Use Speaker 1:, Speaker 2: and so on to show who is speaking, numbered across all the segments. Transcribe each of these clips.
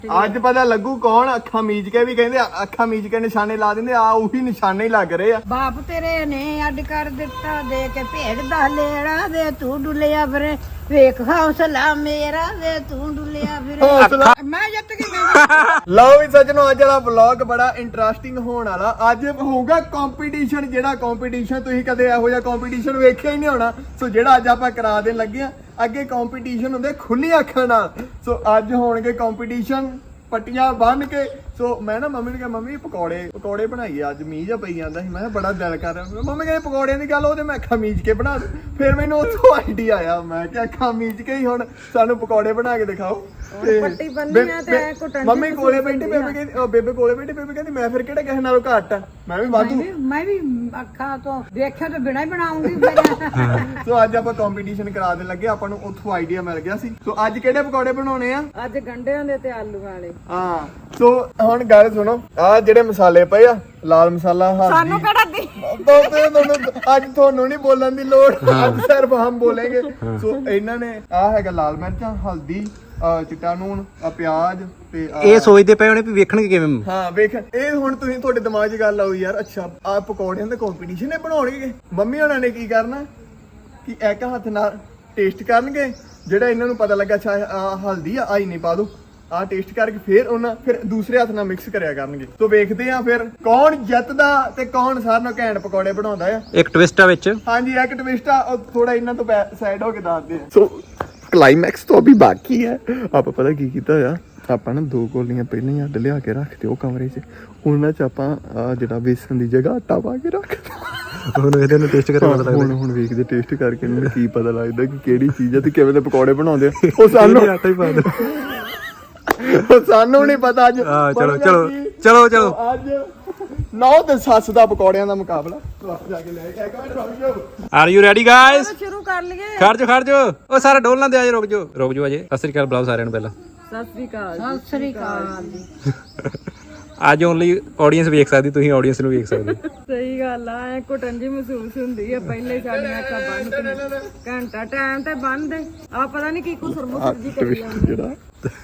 Speaker 1: ਅੱਜ ਪਤਾ ਲੱਗੂ ਕੌਣ ਅੱਖਾਂ ਮੀਚ ਕੇ ਵੀ ਕਹਿੰਦੇ ਅੱਖਾਂ ਮੀਚ ਕੇ ਨਿਸ਼ਾਨੇ ਲਾ ਦਿੰਦੇ ਆ ਉਹੀ ਨਿਸ਼ਾਨੇ ਹੀ ਲੱਗ ਰਹੇ ਆ।
Speaker 2: ਬਾਪ ਤੇਰੇ ਨੇ ਅੱਡ ਕਰ ਦਿੱਤਾ ਦੇ ਕੇ ਭੇਡ ਦਾ ਲੇੜਾ ਵੇ ਤੂੰ ਡੁੱਲਿਆ ਫਿਰੇ ਵੇਖ ਹੌਸਲਾ ਮੇਰਾ ਵੇ ਤੂੰ ਡੁੱਲਿਆ ਫਿਰੇ ਮੈਂ ਜਿੱਤ ਗਈ।
Speaker 1: ਲਓ ਵੀ ਸੱਜਣੋ ਅੱਜ ਵਾਲਾ ਵਲੌਗ ਬੜਾ ਇੰਟਰਸਟਿੰਗ ਹੋਣ ਵਾਲਾ। ਅੱਜ ਹੋਊਗਾ ਕੰਪੀਟੀਸ਼ਨ, ਜਿਹੜਾ ਕੰਪੀਟੀਸ਼ਨ ਤੁਸੀਂ ਕਦੇ ਇਹੋ ਜਿਹਾ ਕੰਪੀਟੀਸ਼ਨ ਵੇਖਿਆ ਹੀ ਨਹੀਂ ਹੋਣਾ। ਸੋ ਜਿਹੜਾ ਅੱਜ ਆਪਾਂ ਕਰਾ ਦੇਣ ਲੱਗੇ ਆ, ਅੱਗੇ ਕੰਪੀਟੀਸ਼ਨ ਹੁੰਦੇ ਖੁੱਲੀ ਅੱਖਾਂ ਨਾਲ। ਸੋ ਅੱਜ ਹੋਣਗੇ ਕੰਪੀਟੀਸ਼ਨ ਪੱਟੀਆਂ ਬੰਨ ਕੇ। ਸੋ ਮੈਂ ਨਾ ਮੰਮੀ ਨੂੰ ਕਿਹਾ ਮੰਮੀ ਪਕੌੜੇ ਬਣਾਈਏ ਅੱਜ, ਮੀਂਹ ਜਿਹਾ ਪਈ ਜਾਂਦਾ ਸੀ। ਮੈਂ ਕਿਹਾ ਬੜਾ ਦਿਲ ਕਰ ਰਿਹਾ। ਮੰਮੀ ਕਹਿੰਦੇ ਪਕੌੜਿਆਂ ਦੀ ਗੱਲ ਉਹਦੇ ਮੈਂ ਅੱਖਾਂ ਮੀਚ ਕੇ ਬਣਾ ਦੂੰ। ਫਿਰ ਮੈਨੂੰ ਉੱਥੋਂ ਆਈਡੀਆ ਆਇਆ, ਮੈਂ ਕਿਹਾ ਅੱਖਾਂ ਮੀਚ ਕੇ ਹੀ ਹੁਣ ਸਾਨੂੰ ਪਕੌੜੇ ਬਣਾ ਕੇ ਦਿਖਾਓ।
Speaker 2: ਪੱਟੀ ਬੰਨੀ ਆ ਤੇ ਕੁੱਟਣ
Speaker 1: ਮੰਮੀ ਕੋਲੇ ਬੈਠੀ, ਬੇਬੇ ਕਹਿੰਦੀ ਬੇਬੇ ਕੋਲੇ ਬੈਠੀ, ਬੇਬੇ ਕਹਿੰਦੀ ਮੈਂ ਫਿਰ ਕਿਹੜਾ ਕਿਸੇ ਨਾਲੋਂ ਘੱਟ ਆ, ਮੈਂ ਵੀ ਵਾਧੂ।
Speaker 2: ਮੈਂ ਵੀ ਅੱਖਾਂ ਤੋਂ ਦੇਖਿਆ ਤਾਂ ਬਿਨਾਂ ਹੀ ਬਣਾਉਂਗੀ।
Speaker 1: ਸੋ ਅੱਜ ਆਪਾਂ ਕੰਪੀਟੀਸ਼ਨ ਕਰਾ ਦੇਣ ਲੱਗੇ, ਆਪਾਂ ਨੂੰ ਉੱਥੋਂ ਆਈਡੀਆ ਮਿਲ ਗਿਆ ਸੀ। ਸੋ ਅੱਜ ਕਿਹੜੇ ਪਕੌੜੇ ਬਣਾਉਣੇ ਆ?
Speaker 2: ਅੱਜ ਗੰਢਿਆਂ ਦੇ ਤੇ ਆਲੂ ਵਾਲੇ।
Speaker 1: ਹਾਂ ਸੋ ਹੁਣ ਗੱਲ ਸੁਣੋ, ਆ ਜਿਹੜੇ ਮਸਾਲੇ ਪਏ ਆ, ਲਾਲ ਮਸਾਲਾ,
Speaker 2: ਸਾਨੂੰ ਕਿਹੜਾ ਦੀ
Speaker 1: ਅੱਜ ਤੁਹਾਨੂੰ ਨਹੀਂ ਬੋਲਣ ਦੀ ਲੋੜ, ਅੱਜ ਸਿਰਫ ਹਮ ਬੋਲेंगे। ਸੋ ਇਹਨਾਂ ਨੇ ਆ ਹੈਗਾ ਲਾਲ ਮਿਰਚਾਂ, ਹਲਦੀ, ਚਿੱਟਾ ਨੂਣ, ਪਿਆਜ਼ ਤੇ
Speaker 3: ਇਹ ਸੋਚਦੇ ਪਏ ਹੋਣੇ ਵੀ ਵੇਖਣਗੇ ਕਿਵੇਂ।
Speaker 1: ਹਾਂ ਵੇਖ, ਇਹ ਹੁਣ ਤੁਸੀਂ ਤੁਹਾਡੇ ਦਿਮਾਗ 'ਚ ਗੱਲ ਆਉ ਯਾਰ, ਅੱਛਾ ਆ ਪਕੌੜਿਆਂ ਦਾ ਕੰਪੀਟੀਸ਼ਨ ਇਹ ਬਣਾਉਣਗੇ। ਮੰਮੀ ਹੋਣਾ ਨੇ ਕੀ ਕਰਨਾ ਕਿ ਇੱਕ ਹੱਥ ਨਾਲ ਟੇਸਟ ਕਰਨਗੇ, ਜਿਹੜਾ ਇਹਨਾਂ ਨੂੰ ਪਤਾ ਲੱਗਾ ਅੱਛਾ ਆ ਹਲਦੀ ਆ ਆਈ ਨਹੀਂ ਪਾ ਦੋ, ਆ ਟੇਸਟ ਕਰਕੇ ਫਿਰ ਦੂਸਰੇ ਹੱਥ ਨਾਲ ਮਿਕਸ ਕਰਿਆ ਕਰਨਗੇ। ਸੋ ਵੇਖਦੇ ਆ ਫਿਰ ਕੌਣ ਜਿੱਤਦਾ ਤੇ ਕੌਣ ਸਾਰਿਆਂ ਨੂੰ ਘੈਂਟ ਪਕੌੜੇ ਬਣਾਉਂਦਾ ਆ।
Speaker 3: ਇੱਕ ਟਵਿਸਟ ਆ ਵਿੱਚ।
Speaker 1: ਹਾਂਜੀ ਇੱਕ ਟਵਿਸਟ ਆ, ਉਹ ਥੋੜਾ ਇਹਨਾਂ ਤੋਂ ਸਾਈਡ ਹੋ ਕੇ ਦੱਸਦੇ ਆ। ਸੋ ਕਲਾਈਮੈਕਸ ਤੋਂ ਅਭੀ ਬਾਕੀ ਹੈ। ਆਪਾਂ ਪਤਾ ਕੀ ਕੀਤਾ ਹੋਇਆ, ਆਪਾਂ ਨਾ 2 ਕੋਲੀਆਂ ਪਹਿਲਾਂ ਹੀ ਅੱਡ ਲਿਆ ਕੇ ਰੱਖਦੇ ਉਹ ਕਮਰੇ 'ਚ, ਉਹਨਾਂ 'ਚ ਆਪਾਂ ਜਿਹੜਾ ਵੇਸਣ ਦੀ ਜਗ੍ਹਾ ਆਟਾ ਪਾ ਕੇ ਰੱਖਦੇ।
Speaker 3: ਹੁਣ ਇਹਦੇ ਨੂੰ ਟੇਸਟ ਕਰਕੇ ਪਤਾ ਲੱਗਦਾ।
Speaker 1: ਹੁਣ ਵੇਖਦੇ ਟੇਸਟ ਕਰਕੇ ਇਹਨਾਂ ਨੂੰ ਕੀ ਪਤਾ ਲੱਗਦਾ ਕਿ ਕਿਹੜੀ ਚੀਜ਼ ਹੈ ਤੇ ਕਿਵੇਂ ਦੇ ਪਕੌੜੇ ਬਣਾਉਂਦੇ ਆ। ਉਹ ਸਾਨੂੰ
Speaker 3: ਆਟਾ ਹੀ ਪਾ ਦੇ।
Speaker 1: ਸਾਨੂੰ ਨਹੀਂ ਪਤਾ ਅੱਜ।
Speaker 3: ਚਲੋ
Speaker 1: ਅੱਜ ਨੌ ਤੇ ਸੱਸ ਦਾ ਪਕੌੜਿਆਂ ਦਾ ਮੁਕਾਬਲਾ ਜਾ ਕੇ ਲੈ ਕੇ। ਇੱਕ ਮਿੰਟ ਰੁਕ ਜਾਓ।
Speaker 3: Are you ready guys?
Speaker 2: ਸ਼ੁਰੂ ਕਰ ਲਈਏ।
Speaker 3: ਖੜ ਜਾਓ ਉਹ ਸਾਰਾ ਡੋਲ ਨਾ ਦੇ, ਆਜੇ ਰੁਕ ਜਾਓ ਅਜੇ। ਸਤਿ ਸ੍ਰੀ ਅਕਾਲ ਬੁਲਾਓ ਸਾਰਿਆਂ ਨੂੰ ਪਹਿਲਾਂ।
Speaker 2: ਸਤਿ ਸ੍ਰੀ ਅਕਾਲ ਜੀ।
Speaker 3: ਅੱਜ ਓਨਲੀ ਆਡੀਅנס ਵੇਖ ਸਕਦੀ, ਤੁਸੀਂ ਆਡੀਅנס ਨੂੰ ਵੇਖ ਸਕਦੇ।
Speaker 2: ਸਹੀ ਗੱਲ ਆ, ਐ ਘੁੱਟਣ ਜੀ ਮਹਿਸੂਸ ਹੁੰਦੀ ਆ। ਪਹਿਲੇ ਸਾਡੀਆਂ ਅੱਖਾਂ ਬੰਦ, ਘੰਟਾ ਟਾਈਮ ਤੇ ਬੰਦ ਆ, ਪਤਾ ਨਹੀਂ ਕੀ ਕੁਸਰ ਮੁਸਰ ਜੀ ਕਰੀ ਜਾਂਦੇ।
Speaker 1: ਜਿਹੜਾ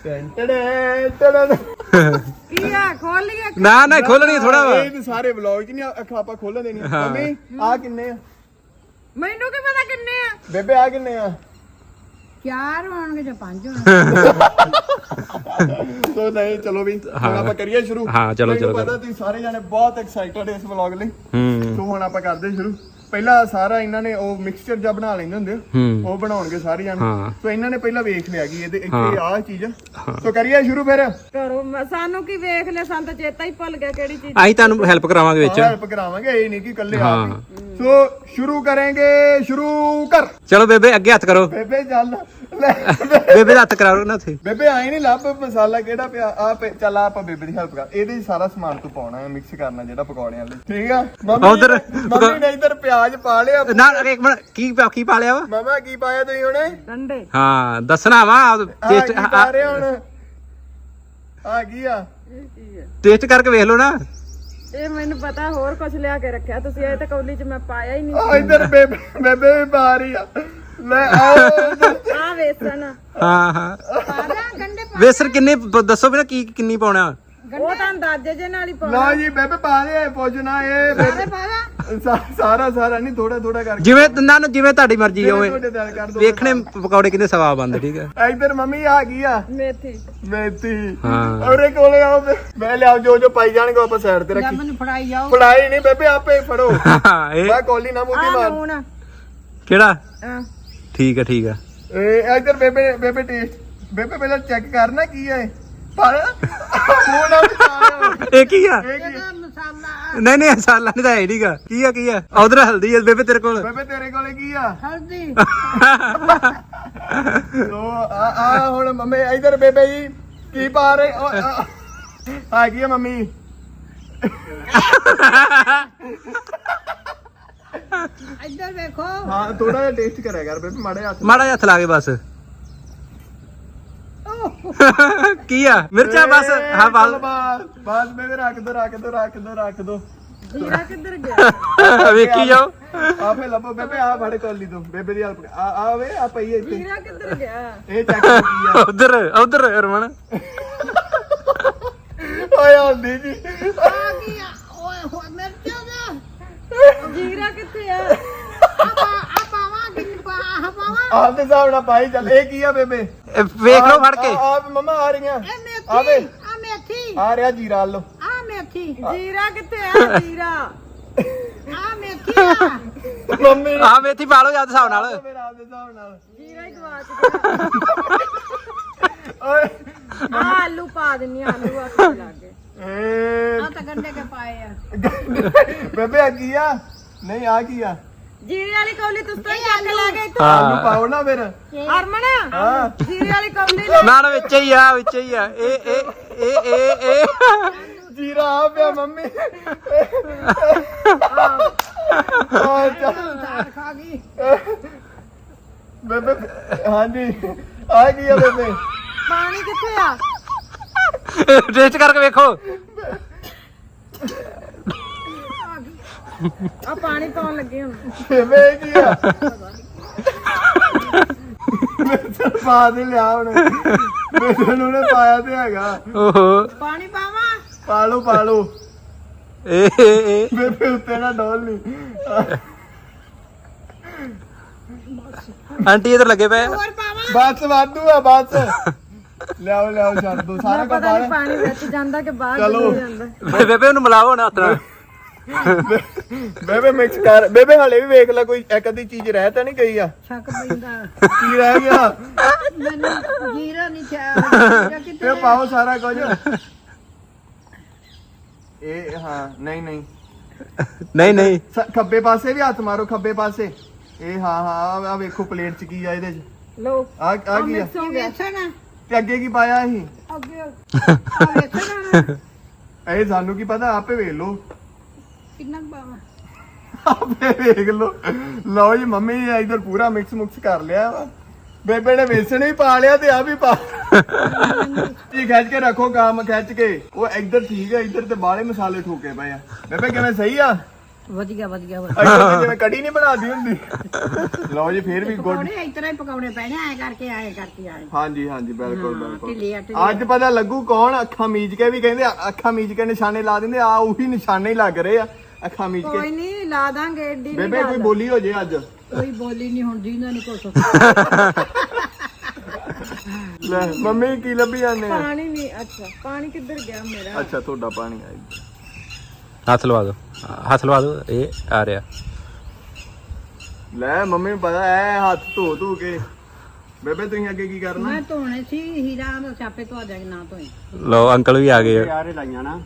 Speaker 2: ਕੀ ਆ ਖੋਲ ਲਈਏ?
Speaker 3: ਨਾ ਖੋਲਣੀ ਥੋੜਾ ਵਾ।
Speaker 1: ਇਹ ਤੇ ਸਾਰੇ ਵਲੌਗ 'ਚ ਨਹੀਂ ਅੱਖਾਂ ਆਪਾਂ ਖੋਲਣ ਦੇਣੀਆਂ। ਮੰਮੀ ਆ ਕਿੰਨੇ ਆ?
Speaker 2: ਮੈਨੂੰ ਕੀ ਪਤਾ ਕਿੰਨੇ ਆ।
Speaker 1: ਬੇਬੇ ਆ ਕਿੰਨੇ ਆ?
Speaker 2: 4 ਹੋਣਗੇ ਜਾਂ 5 ਹੋਣਗੇ।
Speaker 1: ਸੋ ਨਹੀਂ ਚਲੋ ਵੀ ਹੁਣ ਆਪਾਂ ਕਰੀਏ ਸ਼ੁਰੂ।
Speaker 3: ਹਾਂ ਚਲੋ
Speaker 1: ਪਤਾ ਤੁਸੀਂ ਸਾਰੇ ਜਾਣੇ ਬਹੁਤ ਐਕਸਾਈਟਡ ਇਸ ਵਲੌਗ ਲਈ।
Speaker 3: ਹੂੰ
Speaker 1: ਸੋ ਹੁਣ ਆਪਾਂ ਕਰਦੇ ਸ਼ੁਰੂ। ਪਹਿਲਾਂ ਸਾਰਾ ਇਹਨਾਂ ਨੇ ਉਹ ਮਿਕਸਚਰ ਜਿਹਾ ਬਣਾ ਲੈਂਦੇ ਹੁੰਦੇ ਆ, ਉਹ ਬਣਾਉਣਗੇ ਸਾਰੇ ਜਾਣੇ। ਸੋ ਇਹਨਾਂ ਨੇ ਪਹਿਲਾਂ ਵੇਖ ਲਿਆ ਕਿ ਇਹਦੇ ਇੱਥੇ ਆਹ ਚੀਜ਼। ਸੋ ਕਰੀਏ ਸ਼ੁਰੂ ਫਿਰ।
Speaker 2: ਕਰੋ, ਸਾਨੂੰ ਕੀ ਵੇਖ ਲਿਆ, ਸਾਨੂੰ ਤਾਂ ਚੇਤਾ ਹੀ ਭੁੱਲ ਗਿਆ ਕਿਹੜੀ ਚੀਜ਼।
Speaker 3: ਅਸੀਂ ਤੁਹਾਨੂੰ ਹੈਲਪ ਕਰਾਵਾਂਗੇ ਵਿੱਚ।
Speaker 1: ਹੈਲਪ ਕਰਾਵਾਂਗੇ, ਇਹ ਨਹੀਂ ਕਿ ਇਕੱਲੇ ਆਪ ਹੀ। ਸੋ ਸ਼ੁਰੂ ਕਰਾਂਗੇ, ਸ਼ੁਰੂ ਕਰ।
Speaker 3: ਚਲੋ ਬੇਬੇ ਅੱਗੇ ਹੱਥ ਕਰੋ।
Speaker 1: ਬੇਬੇ ਚੱਲ ਲੈ
Speaker 3: ਬੇਬੇ ਦਾ ਹੱਥ ਕਰਾਓ ਨਾ ਉੱਥੇ।
Speaker 1: ਬੇਬੇ ਆਏ ਨਹੀਂ ਲੱਭ ਮਸਾਲਾ ਕਿਹੜਾ ਪਿਆ ਆ। ਚੱਲ ਆਪਾਂ ਬੇਬੇ ਦੀ ਹੈਲਪ ਕਰ। ਇਹਦੇ ਸਾਰਾ ਸਮਾਨ ਤੂੰ ਪਾਉਣਾ ਹੈ, ਮਿਕਸ ਕਰਨਾ ਜਿਹੜਾ ਪਕੌੜਿਆਂ ਲਈ, ਠੀਕ ਆ? ਮੰਮੀ ਨੇ ਇੱਧਰ ਪਿਆਜ਼ ਪਾ ਲਿਆ।
Speaker 3: ਨਾ ਇੱਕ ਮਿੰਟ, ਕੀ ਪਾ ਲਿਆ ਵਾ?
Speaker 1: ਮਾਮਾ ਕੀ ਪਾਇਆ ਤੁਸੀਂ ਹੁਣੇ?
Speaker 2: ਡੰਡੇ।
Speaker 3: ਹਾਂ ਦੱਸਣਾ ਵਾ ਟੇਸਟ।
Speaker 1: ਆ ਰਿਹਾ ਹੁਣ ਆ ਕੀ ਆ?
Speaker 3: ਟੇਸਟ ਕਰਕੇ ਵੇਖ ਲਓ ਨਾ।
Speaker 2: ਇਹ ਮੈਨੂੰ ਪਤਾ ਹੋਰ ਕੁਝ ਲਿਆ ਕੇ ਰੱਖਿਆ ਤੁਸੀਂ, ਇਹ ਤਾਂ ਕੌਲੀ 'ਚ ਮੈਂ ਪਾਇਆ ਹੀ ਨਹੀਂ।
Speaker 1: ਇੱਧਰ ਬੇਬੇ ਵੀ ਪਾ ਰਹੀ ਆ। ਲੈ
Speaker 2: ਆ ਵੇਸਣ।
Speaker 3: ਹਾਂ
Speaker 2: ਪਾ ਦਾਂ ਗੰਡੇ?
Speaker 3: ਵੇਸਣ ਕਿੰਨੇ ਦੱਸੋ ਵੀ ਨਾ ਕਿੰਨੀ ਪਾਉਣਾ?
Speaker 2: ਉਹ ਤਾਂ ਅੰਦਾਜ਼ੇ ਜੇ ਨਾਲ ਹੀ ਪਾਉਣਾ।
Speaker 1: ਲਓ ਜੀ ਬੇਬੇ ਪਾ ਦੇ, ਪੁੱਛਣਾ ਇਹ ਸਾਰਾ ਨਹੀਂ, ਥੋੜਾ ਕਰਕੇ
Speaker 3: ਜਿਵੇਂ ਜਿਵੇਂ ਤੁਹਾਡੀ ਮਰਜ਼ੀ ਹੋਵੇ।
Speaker 1: ਤੁਹਾਡੇ ਦਿਲ ਕਰ ਦੋ।
Speaker 3: ਵੇਖਣੇ ਪਕੌੜੇ ਕਿੰਨੇ ਸਵਾਦ ਬਣਦੇ, ਠੀਕ ਹੈ?
Speaker 1: ਇੱਧਰ ਮੰਮੀ ਆ ਗਈ ਆ
Speaker 2: ਮੇਥੀ।
Speaker 3: ਹਾਂ
Speaker 1: ਔਰੇ ਕੋਲੇ ਆਓ, ਮੈਂ ਲਿਆਓ ਜੋ ਪਾਈ ਜਾਣਗੇ ਆਪਾਂ ਸਾਈਡ ਤੇ ਰੱਖੀ।
Speaker 2: ਮੈਨੂੰ ਫੜਾਈ ਜਾਓ।
Speaker 1: ਫੜਾਈ ਨਹੀਂ ਬੇਬੇ, ਆਪੇ ਫੜੋ।
Speaker 3: ਇਹ
Speaker 1: ਮੈਂ ਕੋਲੀ ਨਾ ਮੂੰਹ ਤੇ ਮਾਰ।
Speaker 2: ਲੂਣ
Speaker 3: ਕਿਹੜਾ? ਠੀਕ ਹੈ।
Speaker 1: ਇਹ ਇੱਧਰ ਬੇਬੇ ਟੇਸਟ। ਬੇਬੇ ਪਹਿਲਾਂ ਚੈੱਕ ਕਰਨਾ ਕੀ ਹੈ ਪਰ ਮੂੰਹ ਨਾਲ
Speaker 3: ਇਹ ਕੀ ਆ?
Speaker 2: ਮਸਾਲਾ।
Speaker 3: ਨਹੀਂ ਮਸਾਲਾ ਨਹੀਂ ਤਾਂ ਹੈ ਨਹੀਂਗਾ। ਕੀ ਆ? ਉਧਰ ਹਲਦੀ ਹੈ ਬੇਬੇ ਤੇਰੇ ਕੋਲ।
Speaker 1: ਬੇਬੇ ਤੇਰੇ ਕੋਲੇ ਕੀ ਆ?
Speaker 2: ਹਲਦੀ।
Speaker 1: ਲੋ ਆ ਹੁਣ ਮੰਮੀ ਇੱਧਰ ਬੇਬੇ ਜੀ ਕੀ ਪਾ ਰਹੇ ਆ ਕੀ ਆ ਮੰਮੀ?
Speaker 2: ਇੱਧਰ ਵੇਖੋ।
Speaker 1: ਹਾਂ ਥੋੜਾ ਜਿਹਾ ਟੇਸਟ ਕਰਿਆ ਕਰ ਬੇਬੇ, ਮਾੜਾ
Speaker 3: ਜਿਹਾ ਹੱਥ ਲਾ ਕੇ ਬਸ। ਕੀ ਆ? ਮਿਰਚਾਂ ਬਸ। ਹਾਂ
Speaker 1: ਬਸ ਬੇਬੇ ਰੱਖ ਦੋ।
Speaker 2: ਜੀਰਾ ਕਿੱਧਰ ਗਿਆ?
Speaker 3: ਵੇਖੀ ਜਾਓ।
Speaker 1: ਆਪੇ ਲੱਭੋ ਬੇਬੇ, ਆ ਫੜ ਕੋਲੀ ਤੋਂ ਬੇਬੇ ਦੀ ਹੈਲਪ। ਆ ਵੇ ਆ ਪਈ ਇੱਥੇ।
Speaker 2: ਜੀਰਾ ਕਿੱਧਰ ਗਿਆ?
Speaker 1: ਇਹ ਚੈੱਕ ਕੀ ਆ?
Speaker 3: ਉਧਰ ਰਮਣ।
Speaker 1: ਓਏ ਆਂਦੀ ਜੀ
Speaker 2: ਆ ਕੀ ਆ ਓਏ ਹੋਏ ਮਿਰਚਾਂ ਦਾ ਜੀਰਾ ਕਿੱਥੇ ਆ ਪਾਵਾਂ ਕਿ ਪਾਵਾਂ
Speaker 1: ਆਪਦੇ ਹਿਸਾਬ ਨਾਲ ਪਾਈ ਚੱਲ। ਇਹ ਕੀ ਆ ਬੇਬੇ?
Speaker 3: ਵੇਖ ਲਓ ਫੜ ਕੇ।
Speaker 1: ਆ ਮਮਾ ਆ ਰਹੀਆਂ
Speaker 2: ਇਹ ਮੇਥੀ
Speaker 1: ਆਵੇ
Speaker 2: ਆ ਮੇਥੀ
Speaker 1: ਆ ਰਿਹਾ ਜੀਰਾ ਲੋ।
Speaker 2: ਆ ਮੇਥੀ ਜੀਰਾ ਕਿੱਥੇ ਆ ਜੀਰਾ ਆ ਮੇਥੀ ਆ
Speaker 1: ਮੰਮੀ ਨੇ
Speaker 3: ਆਹ ਮੇਥੀ ਪਾ ਲਓ ਜਦ ਹਿਸਾਬ ਨਾਲ।
Speaker 1: ਮੇਰਾ ਆਪਦੇ ਹਿਸਾਬ ਨਾਲ
Speaker 2: ਜੀਰਾ ਹੀ ਗਵਾਚ
Speaker 1: ਓਏ
Speaker 2: ਗਿਆ ਆ ਆਲੂ ਪਾ ਦਿੰਨੀ ਆਲੂ ਆ ਕੇ ਲਾਗੇ
Speaker 1: ਏ
Speaker 2: ਆ ਤਾਂ ਗੰਡੇ ਕੇ ਪਾਏ ਆ
Speaker 1: ਬੇਬੇ ਆ ਕੀ ਆ? ਨਹੀਂ ਆ ਕੀ ਆ?
Speaker 2: ਜੀਰੇ ਵਾਲੀ ਕੌਲੀ ਤੁਸੀਂ ਤਾਂ ਚੱਕ ਲਾ ਗਏ ਇੱਥੋਂ
Speaker 1: ਆਲੂ
Speaker 3: ਹਾਂ
Speaker 1: ਪਾਓ ਨਾ ਫਿਰ।
Speaker 2: ਹਰਮਨ
Speaker 1: ਹਾਂ
Speaker 2: ਜੀਰੇ ਵਾਲੀ ਕੌਲੀ ਲੈ
Speaker 3: ਨਾ ਵਿੱਚ ਹੀ ਆ ਵਿੱਚ ਹੀ ਆ। ਇਹ
Speaker 1: ਜੀਰਾ ਆ ਪਿਆ ਮੰਮੀ। ਆ ਚੱਲ
Speaker 2: ਦਾਲ ਖਾ ਗਈ
Speaker 1: ਬੇਬੇ ਹਾਂਜੀ ਆ ਕੀ ਆ ਬੇਬੇ?
Speaker 2: ਪਾਣੀ ਕਿੱਥੇ ਆ
Speaker 3: ਟੇਸਟ ਕਰਕੇ ਵੇਖੋ।
Speaker 2: ਆ ਪਾਣੀ ਪਾਉਣ ਲੱਗੇ ਹੁਣ
Speaker 1: ਬੇਬੇ ਇਹ ਕੀ ਆ? ਮੈਂ ਪਾ ਦੇ ਲਿਆ ਹੁਣ। ਬੇਬੇ ਨੂੰ ਨੇ ਪਾਇਆ ਤੇ ਹੈਗਾ।
Speaker 3: ਓਹੋ
Speaker 2: ਪਾਣੀ ਪਾਵਾਂ
Speaker 1: ਪਾ ਲਓ
Speaker 3: ਇਹ
Speaker 1: ਬੇਬੇ ਉੱਤੇ ਨਾ ਡੋਲ ਨਹੀਂ।
Speaker 3: ਆਂਟੀ ਇਧਰ ਲੱਗੇ ਪਏ ਆ।
Speaker 2: ਹੋਰ ਪਾਵਾਂ
Speaker 1: ਬਸ ਵਾਧੂ ਆ ਬਸ। ਲਿਆਓ ਛੱਡ ਦੋ ਸਾਰਾ ਕੁਝ ਪਾ ਲੈ।
Speaker 2: ਪਾਣੀ ਵਿੱਚ ਜਾਂਦਾ ਕਿ ਬਾਹਰ
Speaker 1: ਚਲੋ
Speaker 2: ਜਾਂਦਾ
Speaker 3: ਬੇਬੇ ਉਹਨੂੰ ਮਿਲਾਓ ਨਾ ਹੱਥ ਨਾਲ।
Speaker 1: ਬੇਬੇ ਮਿਕਸ ਕਰ। ਬੇਬੇ ਹਲੇ ਵੀ ਵੇਖ ਲੈ ਕੋਈ ਇੱਕ ਅੱਧੀ ਚੀਜ਼ ਰਹਿ ਤਾਂ ਨਹੀਂ ਗਈ ਆ?
Speaker 2: ਛੱਕ ਪੈਂਦਾ
Speaker 1: ਕੀ ਰਹਿ ਗਿਆ?
Speaker 2: ਮੈਨੂੰ ਜੀਰਾ ਨਹੀਂ ਚਾਹੀਦਾ ਕਿਤੇ
Speaker 1: ਇਹ ਪਾਓ ਸਾਰਾ ਕੁਝ। ਇਹ ਹਾਂ ਨਹੀਂ
Speaker 3: ਨਹੀਂ
Speaker 1: ਖੱਬੇ ਪਾਸੇ ਵੀ ਹੱਥ ਮਾਰੋ ਖੱਬੇ ਪਾਸੇ। ਇਹ ਹਾਂ ਆ ਵੇਖੋ ਪਲੇਟ ਚ ਕੀ ਆ ਇਹਦੇ ਚ।
Speaker 2: ਲੋ
Speaker 1: ਆ ਕੀ ਆ?
Speaker 2: ਵੇਖਣਾ
Speaker 1: ਤੇ ਅੱਗੇ ਕੀ ਪਾਇਆ ਸੀ?
Speaker 2: ਅੱਗੇ ਆ ਵੇਖਣਾ
Speaker 1: ਇਹ ਸਾਨੂੰ ਕੀ ਪਤਾ ਆਪੇ ਵੇਖ ਲਓ।
Speaker 2: ਕਿੰਨਾ ਕੁ ਪਾਵਾਂ
Speaker 1: ਆਪੇ ਵੇਖ ਲਓ। ਲਓ ਜੀ ਮੰਮੀ ਨੇ ਇਧਰ ਪੂਰਾ ਮਿਕਸ ਮੁਕਸ ਕਰ ਲਿਆ ਵਾ। ਬੇਬੇ ਨੇ ਵੇਸਣ ਵੀ ਪਾ ਲਿਆ ਤੇ ਆ ਵੀ ਪਾ। ਜੀ ਖਿੱਚ ਕੇ ਰੱਖੋ ਕੰਮ ਖਿੱਚ ਕੇ। ਉਹ ਇੱਧਰ ਠੀਕ ਹੈ ਇੱਧਰ ਤੇ ਬਾਹਲੇ ਮਸਾਲੇ ਠੋਕੇ ਪਏ ਆ। ਬੇਬੇ ਕਿਵੇਂ ਸਹੀ ਆ?
Speaker 2: ਵਧੀਆ
Speaker 1: ਇੱਧਰ ਤੇ ਜਿਵੇਂ ਕੜੀ ਨਹੀਂ ਬਣਾਦੀ ਹੁੰਦੀ। ਲਓ ਜੀ ਫੇਰ ਵੀ ਗੁੱਡ।
Speaker 2: ਪਕੌੜੇ ਇਸ ਤਰ੍ਹਾਂ ਹੀ ਪਕਾਉਣੇ ਪੈਣੇ ਆਏ ਕਰਕੇ ਆਏ
Speaker 1: ਹਾਂਜੀ ਬਿਲਕੁਲ
Speaker 2: ਢਿੱਲੇ
Speaker 1: ਅੱਜ ਪਤਾ ਲੱਗੂ ਕੌਣ ਅੱਖਾਂ ਮੀਚ ਕੇ ਵੀ ਕਹਿੰਦੇ ਅੱਖਾਂ ਮੀਚ ਕੇ ਨਿਸ਼ਾਨੇ ਲਾ ਦਿੰਦੇ ਆ। ਉਹੀ ਨਿਸ਼ਾਨੇ ਹੀ ਲੱਗ ਰਹੇ ਆ ਅੱਖਾਂ ਮੀਚ
Speaker 2: ਕੋਈ
Speaker 1: ਕੇ।
Speaker 2: ਨਹੀਂ ਲਾ ਦਾਂਗੇ ਏਡੀ
Speaker 1: ਬੇਬੇ ਕੋਈ ਬੋਲੀ ਹੋ ਜੇ ਅੱਜ।
Speaker 2: ਕੋਈ ਬੋਲੀ ਨਹੀਂ ਹੁੰਦੀ ਇਹਨਾਂ ਨੇ ਕੁਛ
Speaker 1: ਲੈ ਮੰਮੀ ਕੀ ਲੱਭੀ ਜਾਂਦੇ ਆ?
Speaker 2: ਪਾਣੀ ਨਹੀਂ ਅੱਛਾ ਪਾਣੀ ਕਿੱਧਰ ਗਿਆ ਮੇਰਾ
Speaker 1: ਅੱਛਾ ਤੁਹਾਡਾ ਪਾਣੀ ਆਈ।
Speaker 3: ਹੱਥ ਲਵਾ ਦਿਓ ਇਹ ਆ ਰਿਹਾ।
Speaker 1: ਲੈ ਮੰਮੀ ਨੂੰ ਪਤਾ ਐ ਹੱਥ ਧੋ ਕੇ। ਬੇਬੇ ਤੁਸੀਂ ਅੱਗੇ ਕੀ ਕਰਨਾ?
Speaker 2: ਮੈਂ ਧੋਣੇ ਸੀ ਹੀਰਾ ਦਾ ਛਾਪੇ ਧੋ ਜਾਗੇ ਨਾ ਧੋਈ
Speaker 3: ਲਓ ਅੰਕਲ ਵੀ ਆ ਗਏ ਆ।
Speaker 1: ਯਾਰੇ ਲਾਈਆਂ ਨਾ।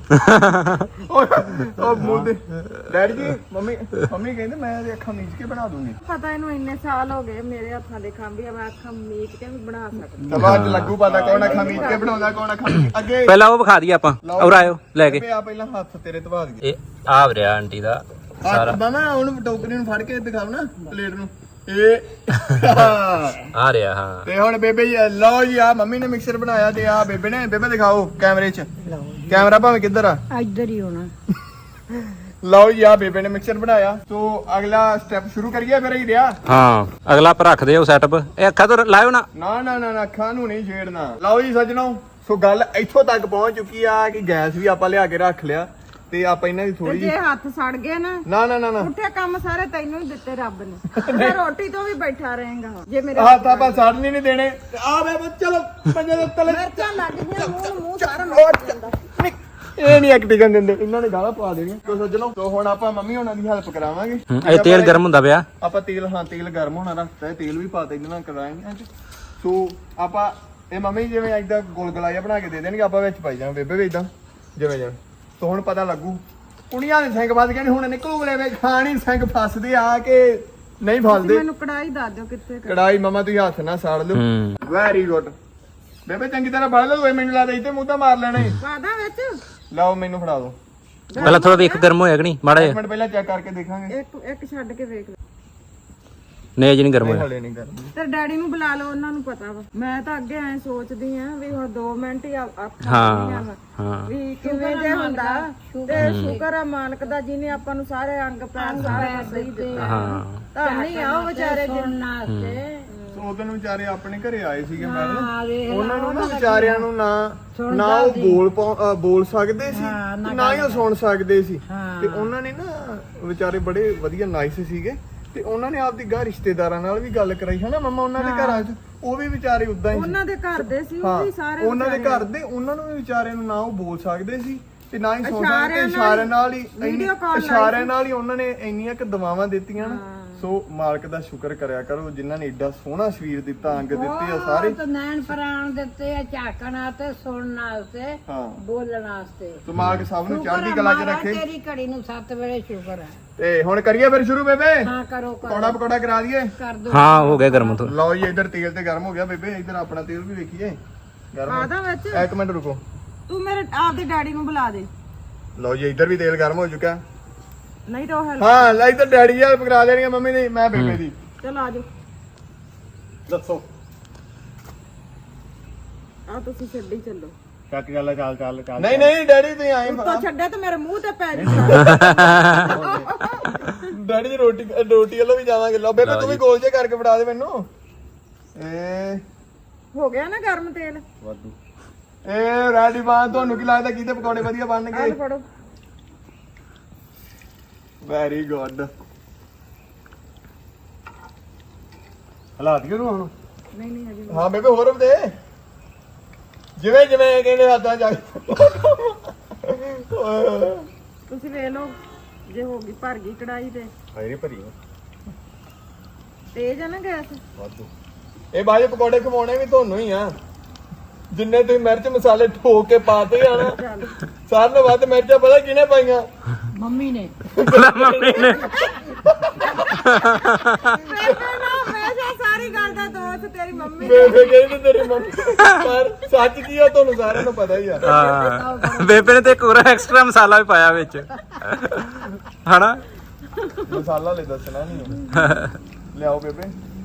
Speaker 1: ਉਹ ਮੂੰਹ ਦੇ ਡੈਡੀ ਜੀ ਮੰਮੀ ਕਹਿੰਦੇ ਮੈਂ ਇਹਦੀ ਅੱਖਾਂ ਮੀਚ ਕੇ ਬਣਾ ਦੂੰਗੀ।
Speaker 2: ਪਤਾ ਇਹਨੂੰ ਇੰਨੇ ਸਾਲ ਹੋ ਗਏ ਮੇਰੇ ਹੱਥਾਂ ਦੇ ਖੰਭੀ ਆ ਮੈਂ ਅੱਖਾਂ ਮੀਚ ਕੇ ਵੀ ਬਣਾ ਸਕਦੀ
Speaker 1: ਤਾਂ ਬਾਅਦ ਚ ਲੱਗੂ ਪਤਾ ਕੌਣ ਅੱਖਾਂ ਮੀਚ ਕੇ ਬਣਾਉਂਦਾ ਕੌਣ ਅੱਖਾਂ ਮੀਚ ਅੱਗੇ।
Speaker 3: ਪਹਿਲਾਂ ਉਹ ਵਿਖਾ ਦਈਏ ਆਪਾਂ। ਔਰ ਆਇਓ ਲੈ ਕੇ।
Speaker 1: ਬੇਬੇ ਆ ਪਹਿਲਾਂ ਹੱਥ ਤੇਰੇ ਧਵਾ ਦਈਏ।
Speaker 3: ਇਹ ਆ ਰਿਹਾ ਆਂਟੀ ਦਾ ਸਾਰਾ।
Speaker 1: ਮਾਮਾ ਉਹਨੂੰ ਟੋਕਰੀ ਨੂੰ ਫੜ ਕੇ ਦਿਖਾਓ ਨਾ ਪਲੇਟ ਨੂੰ। ਇਹ
Speaker 3: ਆ ਰਿਹਾ ਹਾਂ।
Speaker 1: ਤੇ ਹੁਣ ਬੇਬੇ ਜੀ ਲਓ ਜੀ ਆ ਮੰਮੀ ਨੇ ਮਿਕਸਰ ਬਣਾਇਆ ਤੇ ਆ ਬੇਬੇ ਨੇ। ਬੇਬੇ ਦਿਖਾਓ ਕੈਮਰੇ 'ਚ। ਕੈਮਰਾ ਭਾਵੇਂ ਕਿੱਧਰ ਆ?
Speaker 2: ਇੱਧਰ ਹੀ ਹੋਣਾ
Speaker 1: ਲਓ ਜੀ ਆ ਬੇਬੇ ਨੇ ਮਿਕਸਰ ਬਣਾਇਆ। ਸੋ ਅਗਲਾ ਸਟੈਪ ਸ਼ੁਰੂ ਕਰੀਏ ਫਿਰ ਹੀ ਰਿਹਾ।
Speaker 3: ਹਾਂ ਅਗਲਾ ਆਪਾਂ ਰੱਖਦੇ ਹਾਂ ਸੈਟਅਪ। ਇਹ ਅੱਖਾਂ ਤੋਂ ਲਾਇਓ ਨਾ।
Speaker 1: ਨਾ ਅੱਖਾਂ ਨੂੰ ਨਹੀਂ ਛੇੜਨਾ। ਲਓ ਜੀ ਸੱਜਣੋ ਸੋ ਗੱਲ ਇੱਥੋਂ ਤੱਕ ਪਹੁੰਚ ਚੁੱਕੀ ਆ ਕਿ ਗੈਸ ਵੀ ਆਪਾਂ ਲਿਆ ਕੇ ਰੱਖ ਲਿਆ ਤੇ ਆਪਾਂ ਇਹਨਾਂ ਦੀ ਥੋੜੀ
Speaker 2: ਜੇ ਹੱਥ ਸੜ ਗਏ ਨਾ
Speaker 1: ਨਾ
Speaker 2: ਉੱਠਿਆ ਕੰਮ ਸਾਰੇ ਤੈਨੂੰ ਹੀ ਦਿੱਤੇ ਰੱਬ ਨੇ ਮੈਂ ਰੋਟੀ ਤੋਂ ਵੀ ਬੈਠਾ ਰਹੇਗਾ ਜੇ ਮੇਰੇ
Speaker 1: ਹੱਥ ਆਪਾਂ ਸੜਨ ਹੀ ਨਹੀਂ ਦੇਣੇ। ਆ ਬੇਬੇ ਚਲੋ ਪੰਜੇ ਦੇ ਤਲੇ
Speaker 2: ਮਿਰਚਾਂ ਲੱਗ ਗਈਆਂ ਮੂੰਹ ਸਾਰਾ ਮਰ ਜਾਂਦਾ
Speaker 1: ਇਹ ਨਹੀਂ ਐਕਟਿੰਗ ਦਿੰਦੇ। ਇਹਨਾਂ ਨੇ ਗਾਲਾਂ ਪਾ ਦੇਣੀਆਂ। ਤੋ ਸੱਜਣੋ ਸੋ ਹੁਣ ਆਪਾਂ ਮੰਮੀ ਹੋਣਾ ਦੀ ਹੈਲਪ ਕਰਾਵਾਂਗੇ।
Speaker 3: ਇਹ ਤੇਲ ਗਰਮ ਹੁੰਦਾ ਪਿਆ।
Speaker 1: ਆਪਾਂ ਤੇਲ ਗਰਮ ਹੋਣਾ ਰੱਖਤਾ। ਤੇਲ ਵੀ ਪਾ ਤੇ ਇਹਨਾਂ ਨਾਲ ਕਰਾਂਗੇ। ਸੋ ਆਪਾਂ ਇਹ ਮੰਮੀ ਜਿਵੇਂ ਏਦਾਂ ਗੁਲਗੁਲਾ ਜਿਹਾ ਬਣਾ ਕੇ ਦੇ ਦੇਣਗੇ ਆਪਾਂ ਵਿੱਚ ਪਾਈ ਜਾਵਾਂ ਬੇਬੇ ਵੀ ਏਦਾਂ ਜਿਵੇਂ ਸੋ ਹੁਣ ਪਤਾ ਲੱਗੂ। ਕੁੜੀਆਂ ਦੇ ਸਿੰਘ ਵੱਜ ਗਏ ਹੁਣ ਨਿਕਲੂਗੇ ਵੇ ਖਾਣੀ ਸਿੰਘ ਫਸਦੇ ਆ ਕਿ ਨਹੀਂ ਫਸਦੇ।
Speaker 2: ਮੈਨੂੰ ਕੜਾਈ ਦੱਸ ਦਿਓ ਕਿੱਥੇ
Speaker 1: ਕੜਾਈ ਮਮਾ ਤੁਸੀਂ ਹੱਥ ਨਾਲ ਸਾੜ ਲਿਓ। ਵੈਰੀ ਗੁੱਡ ਬੇਬੇ ਚੰਗੀ ਤਰ੍ਹਾਂ ਬੜ ਲਓ। ਮੈਨੂੰ ਲੱਗਦਾ ਇੱਥੇ ਮੂੰਹ ਤਾਂ ਮਾਰ ਲੈਣੇ।
Speaker 2: ਪਾਦਾ ਵਿੱਚ
Speaker 1: ਲਓ ਮੈਨੂੰ ਫੜਾ ਦਿਓ।
Speaker 3: ਪਹਿਲਾਂ ਥੋੜਾ ਵੇਖ ਗਰਮ ਹੋਇਆ ਕਿ ਨਹੀਂ ਮਾੜਾ ਜਿਹਾ।
Speaker 1: ਮਿੰਟ ਪਹਿਲਾਂ ਚੈੱਕ ਕਰਕੇ ਦੇਖਾਂਗੇ।
Speaker 2: ਇੱਕ ਛੱਡ ਕੇ ਵੇਖ
Speaker 3: ਨਹੀਂ ਅਜੇ ਨਹੀਂ ਗਰਮ ਹੋਇਆ।
Speaker 1: ਹਲੇ ਨਹੀਂ ਗਰਮ।
Speaker 2: ਤੇ ਡੈਡੀ ਨੂੰ ਬੁਲਾ ਲਓ ਉਹਨਾਂ ਨੂੰ ਪਤਾ ਵਾ। ਮੈਂ ਤਾਂ ਅੱਗੇ ਐ ਸੋਚਦੀ ਆ ਵੀ ਹੁਣ 2 ਮਿੰਟ ਹੀ
Speaker 3: ਹਾਂ
Speaker 2: ਵੀ ਕਿਵੇਂ ਜੇ ਹੁੰਦਾ ਤੇ ਸ਼ੁਕਰ ਆ ਮਾਲਕ ਦਾ ਜਿਹਨੇ ਆਪਾਂ ਨੂੰ ਸਾਰੇ ਅੰਗ ਪੈਰ ਸਾਰੇ ਸਹੀ ਦਿੱਤੇ
Speaker 3: ਹਾਂ
Speaker 2: ਤਾਂ ਨਹੀਂ ਆਓ ਵਿਚਾਰੇ ਜਿੰਨਾ ਤੇ
Speaker 1: ਉਹ ਦਿਨ ਵਿਚਾਰੇ ਆਪਣੇ ਘਰੇ ਆਏ ਸੀਗੇ
Speaker 2: ਹਾਂ, ਵੇਖ
Speaker 1: ਮੈਡਮ,
Speaker 2: ਲਾ,
Speaker 1: ਉਹਨਾਂ ਨੂੰ ਨਾ
Speaker 2: ਉਹਨਾਂ ਦਾ
Speaker 1: ਵਿਚਾਰਿਆਂ ਨੂੰ ਨਾ ਉਹ ਬੋਲ ਸਕਦੇ ਸੀ
Speaker 2: ਹਾਂ,
Speaker 1: ਤੇ ਨਾ ਹੀ ਉਹ ਸੁਣ ਸਕਦੇ ਸੀ
Speaker 2: ਹਾਂ।
Speaker 1: ਤੇ ਉਹਨਾਂ ਨੇ ਨਾ ਵਿਚਾਰੇ ਬੜੇ ਵਧੀਆ ਨਾਈਸ ਸੀਗੇ ਤੇ ਉਹਨਾਂ ਨੇ ਆਪਦੀ ਗਾਂ ਰਿਸ਼ਤੇਦਾਰਾਂ ਨਾਲ ਵੀ ਗੱਲ ਕਰਾਈ ਹਨਾ ਮੰਮਾ ਉਹਨਾਂ ਦੇ ਘਰਾਂ 'ਚ ਉਹ ਵੀ ਵਿਚਾਰੇ ਉਦਾਂ ਹੀ ਸੀ।
Speaker 4: ਉਹਨਾਂ ਦੇ ਘਰ ਦੇ ਸੀ ਉਹ
Speaker 1: ਹਾਂ,
Speaker 4: ਵੀ ਸਾਰੇ
Speaker 1: ਉਹਨਾਂ ਦੇ ਘਰ ਦੇ ਉਹਨਾਂ ਨੂੰ ਵੀ ਵਿਚਾਰਿਆਂ ਨੂੰ ਨਾ ਉਹ ਬੋਲ ਸਕਦੇ ਸੀ ਤੇ ਨਾ ਹੀ ਸੁਣ ਸਕਦੇ, ਇਸ਼ਾਰਿਆਂ ਨਾਲ ਹੀ
Speaker 4: ਵੀਡੀਓ ਕਾਲ
Speaker 1: ਇਸ਼ਾਰਿਆਂ ਨਾਲ ਹੀ ਉਹਨਾਂ ਨੇ ਇੰਨੀਆਂ ਕਿ ਦੁਆਵਾਂ ਦਿੱਤੀਆਂ ਨਾ। ਸੋ ਮਾਲਕ ਦਾ ਸ਼ੁਕਰ ਕਰਿਆ ਕਰੋ ਜਿਨ੍ਹਾਂ ਨੇ ਏਡਾ ਸੋਹਣਾ ਸਰੀਰ ਦਿੱਤਾ, ਅੰਗ ਦਿੱਤੇ ਆ ਸਾਰੇ।
Speaker 2: ਬਹੁਤ ਨੈਣ ਪ੍ਰਾਣ ਦਿੱਤੇ ਆ, ਝਾਕਣ ਵਾਸਤੇ, ਸੁਣਨ ਵਾਸਤੇ,
Speaker 1: ਹਾਂ,
Speaker 2: ਬੋਲਣ ਵਾਸਤੇ।
Speaker 1: ਸੋ ਮਾਲਕ ਸਭ ਨੂੰ
Speaker 2: ਸ਼ੁਕਰ
Speaker 1: ਚੜ੍ਹਦੀ
Speaker 2: ਆ
Speaker 1: ਕਲਾ 'ਚ
Speaker 2: ਮਹਾਰਾਜ,
Speaker 1: ਰੱਖੇ।
Speaker 2: ਤੇਰੀ ਘੜੀ ਨੂੰ 7 ਵੇਲੇ ਸ਼ੁਕਰ ਹੈ।
Speaker 1: ਤੇ ਹੁਣ ਕਰੀਏ ਫਿਰ ਸ਼ੁਰੂ ਬੇਬੇ,
Speaker 2: ਹਾਂ ਕਰੋ
Speaker 1: ਪਕੌੜਾ ਪਕੌੜਾ ਕਰਾ ਦਈਏ।
Speaker 2: ਕਰ ਦੋ।
Speaker 3: ਹਾਂ ਹੋ ਗਿਆ ਗਰਮ ਤੋਂ।
Speaker 1: ਲਓ ਜੀ ਇੱਧਰ ਤੇਲ ਤੇ ਗਰਮ ਹੋ ਗਿਆ ਬੇਬੇ, ਇੱਧਰ ਆਪਣਾ ਤੇਲ ਵੀ ਵੇਖੀਏ ਗਰਮ।
Speaker 4: ਆਦਾ ਵਿੱਚ
Speaker 1: ਇੱਕ ਮਿੰਟ ਰੁਕੋ।
Speaker 4: ਤੂੰ ਮੇਰੇ ਆਪਦੇ ਡੈਡੀ ਨੂੰ ਬੁਲਾ ਦੇ।
Speaker 1: ਲਓ ਜੀ ਇੱਧਰ ਵੀ ਤੇਲ ਗਰਮ ਹੋ ਚੁੱਕਾ।
Speaker 4: ਨਹੀਂ ਤਾਂ ਉਹ ਹੈਲਪ
Speaker 1: ਹਾਂ ਲੈ ਇੱਧਰ ਡੈਡੀ ਜੀ ਹੈਲਪ ਕਰਾ ਦੇਣੀ ਆ ਮੰਮੀ ਦੀ, ਮੈਂ ਬੇਬੇ ਦੀ।
Speaker 4: ਚਲ ਆ ਜਾਓ।
Speaker 1: ਦੱਸੋ
Speaker 4: ਆ ਤੁਸੀਂ ਛੱਡੀ ਚੱਲੋ।
Speaker 1: ਚੱਕ ਗੱਲ ਚੱਲ ਨਹੀਂ ਨਹੀਂ ਡੈਡੀ ਤੁਸੀਂ ਆਏ
Speaker 4: ਉੱਤੋਂ ਛੱਡੇ ਤੇ ਮੇਰੇ ਮੂੰਹ ਤੇ ਪੈ ਜਾ।
Speaker 1: ਡੈਡੀ ਦੀ ਰੋਟੀ ਵੱਲੋਂ ਵੀ ਜਾਵਾਂਗੇ। ਲਓ ਬੇਬੇ ਤੂੰ ਵੀ ਗੋਲ ਜੇ ਕਰਕੇ ਫੜਾ ਦੇ ਮੈਨੂੰ।
Speaker 4: ਹੋ ਗਿਆ ਨਾ ਗਰਮ ਤੇਲ।
Speaker 1: ਵਾਧੂ ਰੈਡੀ ਬਾਨ। ਤੁਹਾਨੂੰ ਕੀ ਲੱਗਦਾ ਕਿਹਦੇ ਪਕੌੜੇ ਵਧੀਆ ਬਣਨਗੇ?
Speaker 4: ਆਹ ਫੜੋ।
Speaker 1: Very good. ਹਾਲਾਤ ਕਿਉਂ ਹੁਣ?
Speaker 4: ਨਹੀਂ ਹਜੇ
Speaker 1: ਹਾਂ ਬੇਬੇ ਹੋਰ ਦੇ ਜਿਵੇਂ ਜਿਵੇਂ ਕਹਿੰਦੇ ਹੱਥਾਂ ਜਾ।
Speaker 4: ਤੁਸੀਂ ਵੇਖ ਲਓ ਜੇ ਹੋ ਗਈ ਭਰ ਗਈ ਕੜਾਈ ਤੇ
Speaker 1: ਹਾਏ ਭਰੀ
Speaker 4: ਤੇਜ਼ ਆ ਨਾ ਗੈਸ।
Speaker 1: ਵਾਧੂ। ਇਹ ਬਾਜੇ ਪਕੌੜੇ ਖਵਾਉਣੇ ਵੀ ਤੁਹਾਨੂੰ ਹੀ ਆ। ਜਿੰਨੇ ਤੁਸੀਂ ਮਿਰਚ ਮਸਾਲੇ ਠੋਕ ਕੇ ਪਾਤੇ ਆ ਨਾ, ਸਾਰਿਆਂ ਨਾਲੋਂ ਵੱਧ ਮਿਰਚਾਂ ਪਤਾ ਕਿਹਨੇ ਪਾਈਆਂ?
Speaker 2: ਮੰਮੀ ਨੇ।
Speaker 4: ਹਮੇਸ਼ਾ ਸਾਰੀ ਗੱਲ ਦਾ ਦੋਸ਼ ਤੇਰੀ ਮੰਮੀ।
Speaker 1: ਬੇਬੇ ਕਹਿੰਦੀ ਤੇਰੀ ਮੰਮੀ, ਪਰ ਸੱਚ ਕੀ ਆ ਤੁਹਾਨੂੰ ਸਾਰਿਆਂ ਨੂੰ ਪਤਾ ਹੀ ਆ।
Speaker 3: ਹਾਂ ਬੇਬੇ ਨੇ ਤੇ ਇੱਕ ਹੋਰ ਐਕਸਟਰਾ ਮਸਾਲਾ ਵੀ ਪਾਇਆ ਵਿੱਚ ਹਨਾ।
Speaker 1: ਮਸਾਲਾ ਲੈ ਦੱਸਣਾ ਨਹੀਂ। ਲਿਆਓ ਬੇਬੇ।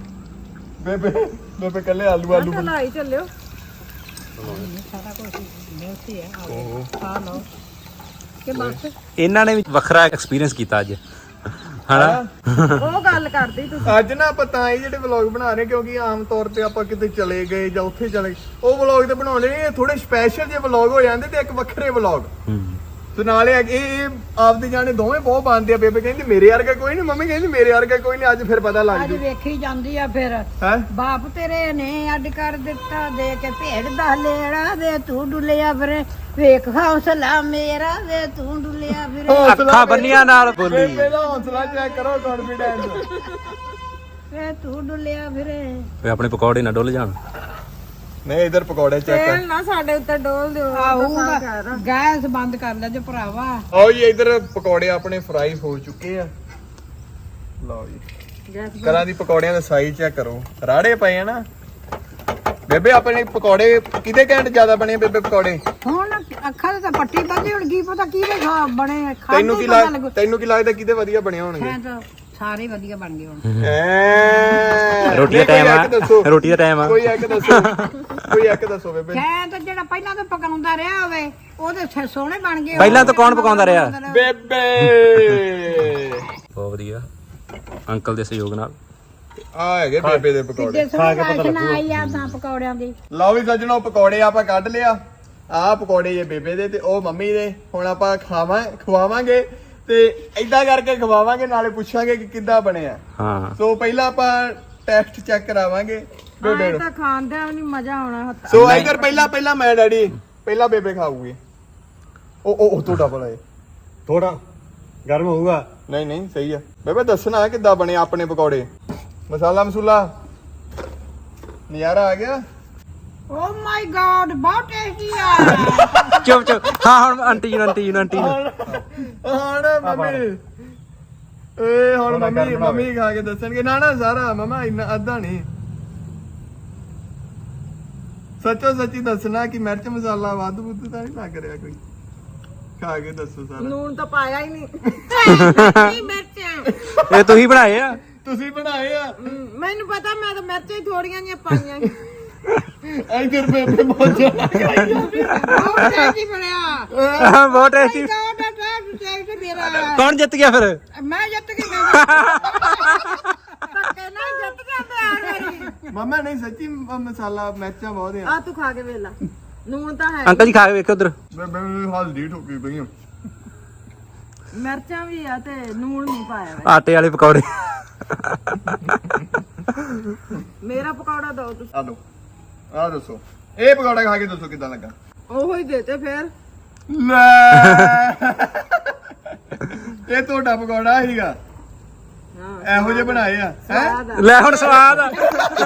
Speaker 1: ਬੇਬੇ ਕੱਲੇ ਆਲੂ
Speaker 4: ਚਲਾਈ ਚੱਲਿਓ।
Speaker 2: ਸਾਰਾ ਕੁਝ ਬਹੁਤ ਹੀ ਹੈ। ਖਾ ਲਓ ਕਿ ਬਸ।
Speaker 3: ਇਹਨਾਂ ਨੇ ਵੀ ਵੱਖਰਾ ਐਕਸਪੀਰੀਅੰਸ ਕੀਤਾ ਅੱਜ ਹਨਾ।
Speaker 4: ਉਹ ਗੱਲ ਕਰਦੀ ਤੁਸੀਂ।
Speaker 1: ਅੱਜ ਨਾ ਆਪਾਂ ਤਾਂ ਇਹ ਜਿਹੜੇ ਵਲੌਗ ਬਣਾ ਰਹੇ ਕਿਉਂਕਿ ਆਮ ਤੌਰ ਤੇ ਆਪਾਂ ਕਿਤੇ ਚਲੇ ਗਏ ਜਾਂ ਉੱਥੇ ਚਲੇ ਗਏ, ਉਹ ਵਲੌਗ ਤੇ ਬਣਾਉਣੇ ਨਹੀਂ, ਥੋੜੇ ਸਪੈਸ਼ਲ ਜਿਹੇ ਵਲੌਗ ਹੋ ਜਾਂਦੇ ਤੇ ਇੱਕ ਵੱਖਰੇ ਵਲੌਗ। ਤੇ ਨਾਲੇ ਇਹ ਆਪਦੇ ਜਾਣੇ ਦੋਵੇਂ ਬਹੁਤ ਬਣਦੇ ਆ। ਬੇਬੇ ਕਹਿੰਦੀ ਮੇਰੇ ਵਰਗਾ ਕੋਈ ਨਹੀਂ, ਮੰਮੀ ਕਹਿੰਦੀ ਮੇਰੇ ਵਰਗਾ ਕੋਈ ਨਹੀਂ। ਅੱਜ ਫਿਰ ਪਤਾ ਲੱਗ
Speaker 2: ਅੱਜ
Speaker 1: ਜੂ
Speaker 2: ਵੇਖੀ ਜਾਂਦੀ ਆ ਫਿਰ।
Speaker 1: ਹੈ।
Speaker 2: ਬਾਪ ਤੇਰੇ ਨੇ ਅੱਡ ਕਰ ਦਿੱਤਾ, ਦੇ ਕੇ ਭੇਡ ਦਾ ਲੇੜਾ, ਵੇ ਤੂੰ ਡੁੱਲਿਆ ਫਿਰੇ, ਵੇਖ ਹੌਸਲਾ ਮੇਰਾ, ਵੇ ਤੂੰ ਡੁੱਲਿਆ ਫਿਰੇ,
Speaker 3: ਅੱਖਾਂ ਬੰਨੀਆਂ ਨਾਲ ਬੋਲੀ।
Speaker 1: ਬੇਬੇ ਦਾ ਹੌਸਲਾ ਚੈੱਕ ਕਰੋ, ਕੌਨਫੀਡੈਂਸ।
Speaker 2: ਵੇ ਤੂੰ ਡੁੱਲਿਆ ਫਿਰੇ।
Speaker 3: ਵੇ ਆਪਣੇ ਪਕੌੜੇ ਨਾ ਡੁੱਲ ਜਾਣ।
Speaker 1: ਨਹੀਂ ਇਧਰ ਪਕੌੜੇ ਚੈੱਕ ਕਰ।
Speaker 4: ਤੇਲ ਨਾ ਸਾਡੇ ਉੱਤੇ ਡੋਲ ਦਿਓ।
Speaker 2: ਆਹੂਗਾ ਗੈਸ ਬੰਦ ਕਰ ਲੈ ਜੇ ਭਰਾਵਾ।
Speaker 1: ਆਓ ਜੀ ਇਧਰ ਪਕੌੜੇ ਆਪਣੇ ਫਰਾਈ ਹੋ ਚੁੱਕੇ ਆ। ਲਓ ਜੀ
Speaker 4: ਗੈਸ
Speaker 1: ਕਰਾਂ ਦੀ ਪਕੌੜਿਆਂ ਦਾ ਸਾਈਜ਼ ਚੈੱਕ ਕਰੋ, ਰਾੜੇ ਪਏ ਆ ਨਾ। ਬੇਬੇ ਆਪਣੇ ਪਕੌੜੇ ਕਿਹਦੇ ਘੈਂਟ ਜ਼ਿਆਦਾ ਬਣੇ ਬੇਬੇ ਪਕੌੜੇ?
Speaker 2: ਹੁਣ ਅੱਖਾਂ ਤੇ ਤਾਂ ਪੱਟੀ ਬੰਦੀ ਹੁਣ ਕੀ ਪਤਾ ਕਿਹਦੇ ਬਣੇ।
Speaker 1: ਤੈਨੂੰ ਕੀ ਲੱਗਦਾ ਕਿਹਦੇ ਵਧੀਆ ਬਣੇ ਹੋਣਗੇ?
Speaker 2: ਤਾਂ ਸਾਰੇ ਵਧੀਆ ਬਣ ਗਏ ਹੁਣ।
Speaker 3: ਰੋਟੀ ਦਾ ਟਾਈਮ ਆ, ਰੋਟੀ ਦਾ ਟਾਈਮ ਆ।
Speaker 1: ਕੋਈ ਇੱਕ ਦੱਸੋ ਬੇਬੇ।
Speaker 2: ਸ਼ਾਇਦ ਜਿਹੜਾ ਪਹਿਲਾਂ ਤੋਂ ਪਕਾਉਂਦਾ ਰਿਹਾ ਹੋਵੇ ਉਹਦੇ ਸੋਹਣੇ ਬਣ ਗਏ।
Speaker 3: ਪਹਿਲਾਂ ਤੋਂ ਕੌਣ ਪਕਾਉਂਦਾ ਰਿਹਾ?
Speaker 1: ਬੇਬੇ
Speaker 3: ਬਹੁਤ ਵਧੀਆ ਅੰਕਲ ਦੇ ਸਹਿਯੋਗ ਨਾਲ।
Speaker 1: ਆ ਹੈਗੇ ਬੇਬੇ ਦੇ ਪਕੌੜੇ।
Speaker 2: ਆਈ ਆ ਤਾਂ ਪਕੌੜਿਆਂ ਦੀ।
Speaker 1: ਲਓ ਵੀ ਸੱਜਣੋ ਪਕੌੜੇ ਆਪਾਂ ਕੱਢ ਲਿਆ। ਆਹ ਪਕੌੜੇ ਇਹ ਬੇਬੇ ਦੇ ਤੇ ਉਹ ਮੰਮੀ ਦੇ। ਹੁਣ ਆਪਾਂ ਖਵਾਵਾਂਗੇ ਤੇ ਏਦਾਂ ਕਰਕੇ ਖਵਾਵਾਂਗੇ, ਨਾਲੇ ਪੁੱਛਾਂਗੇ ਕਿ ਕਿੱਦਾਂ ਬਣਿਆ।
Speaker 3: ਹਾਂ
Speaker 1: ਸੋ ਪਹਿਲਾਂ ਆਪਾਂ ਟੈਸਟ ਚੈੱਕ ਕਰਾਵਾਂਗੇ ਬੇਬੇ
Speaker 4: ਆਏ
Speaker 1: ਨੂੰ।
Speaker 4: ਤਾਂ ਖਾਂਦਿਆਂ ਵੀ ਨਹੀਂ ਮਜ਼ਾ ਆਉਣਾ ਹੱਥਾਂ।
Speaker 1: ਸੋ ਇਧਰ ਪਹਿਲਾਂ ਮੈਂ ਡੈਡੀ ਪਹਿਲਾਂ ਬੇਬੇ ਖਾਊਗੀ। ਉਹ ਤੁਹਾਡਾ ਭਲਾ ਇਹ
Speaker 5: ਥੋੜਾ ਗਰਮ ਹੋਊਗਾ।
Speaker 1: ਨਹੀਂ ਸਹੀ ਆ ਬੇਬੇ। ਦੱਸਣਾ ਕਿੱਦਾਂ ਬਣੇ ਆਪਣੇ ਪਕੌੜੇ। ਮਸਾਲਾ ਮਸੂਲਾ ਨਜ਼ਾਰਾ ਆ ਗਿਆ।
Speaker 2: ਓ ਮਾਈ ਗॉड ਬਹੁਤ ਟੇਸਟੀ ਆ।
Speaker 3: ਚੁੱਪ ਹਾਂ ਹੁਣ ਆਂਟੀ ਜੀ ਨੂੰ
Speaker 1: ਹੁਣ ਮੰਮੀ ਖਾ ਕੇ ਦੱਸਣਗੇ। ਨਾ ਸਾਰਾ ਮਮਾ ਇੰਨਾ ਅੱਧਾ ਨਹੀਂ। ਸੱਚੋ ਸੱਚੀ ਦੱਸਣਾ ਕਿ ਮਿਰਚ ਮਸਾਲਾ ਵੱਧ ਬੁੱਧ ਤਾਂ ਨਹੀਂ ਲੱਗ ਰਿਹਾ ਕੋਈ। ਖਾ ਕੇ ਦੱਸੋ ਸਾਰਾ।
Speaker 4: ਨੂਨ ਤਾਂ ਪਾਇਆ ਹੀ ਨਹੀਂ।
Speaker 2: ਨਹੀਂ ਮਿਰਚਾਂ
Speaker 3: ਇਹ ਤੁਸੀਂ ਬਣਾਏ ਆ?
Speaker 1: ਤੁਸੀਂ ਬਣਾਏ ਆ?
Speaker 4: ਮੈਨੂੰ ਪਤਾ, ਮੈਂ ਤਾਂ ਮਿਰਚਾਂ ਹੀ ਥੋੜੀਆਂ ਜਿਹੀਆਂ ਪਾਈਆਂ।
Speaker 1: ਇਧਰ ਬੇਬੇ ਮੋਜਾ
Speaker 2: ਬਹੁਤ ਟੇਸਟੀ ਬਣਿਆ।
Speaker 3: ਬਹੁਤ ਟੇਸਟੀ।
Speaker 2: ਟੇਸਟੀ ਮੇਰਾ।
Speaker 3: ਕੌਣ ਜਿੱਤ ਗਿਆ ਫਿਰ?
Speaker 2: ਮੈਂ ਜਿੱਤ ਕੇ ਧੱਕੇ ਨਾਲ ਜਿੱਤ ਗਿਆ। ਜਾਂਦੇ ਹਰ ਵਾਰੀ
Speaker 1: ਮੰਮਾ ਨਹੀਂ ਸੱਚੀ ਮਸਾਲਾ ਮਿਰਚਾਂ ਬਹੁਤ ਆ
Speaker 4: ਆ ਤੂੰ ਖਾ ਕੇ ਵੇਖ ਲੈ ਨੂਣ ਤਾਂ ਹੈ
Speaker 3: ਅੰਕਲ ਜੀ ਖਾ ਕੇ ਵੇਖੋ ਉਧਰ
Speaker 1: ਬੇਬੇ ਨੂੰ ਹਲਦੀ ਠੋਕੀ ਪਈ ਆ
Speaker 4: ਮਿਰਚਾਂ ਵੀ ਆ ਤੇ ਨੂਣ ਨਹੀਂ ਪਾਇਆ ਵਾ।
Speaker 3: ਆਟੇ ਵਾਲੇ ਪਕੌੜੇ
Speaker 4: ਮੇਰਾ ਪਕੌੜਾ ਦੋ ਤੁਸੀਂ
Speaker 1: ਆ ਲਓ ਆ ਦੱਸੋ ਇਹ ਪਕੌੜਾ ਖਾ ਕੇ ਦੱਸੋ ਕਿਦਾਂ ਲੱਗਾ
Speaker 4: ਉਹੋ ਹੀ ਦੇਤੇ ਫੇਰ
Speaker 1: ਲੈ ਇਹ ਤੁਹਾਡਾ ਪਕੌੜਾ ਸੀਗਾ
Speaker 4: ਹਾਂ
Speaker 1: ਇਹੋ ਜਿਹੇ ਬਣਾਏ ਆ ਹੈ
Speaker 4: ਸਵਾਦ ਆ।
Speaker 3: ਲੈ ਹੁਣ ਸਵਾਦ ਆ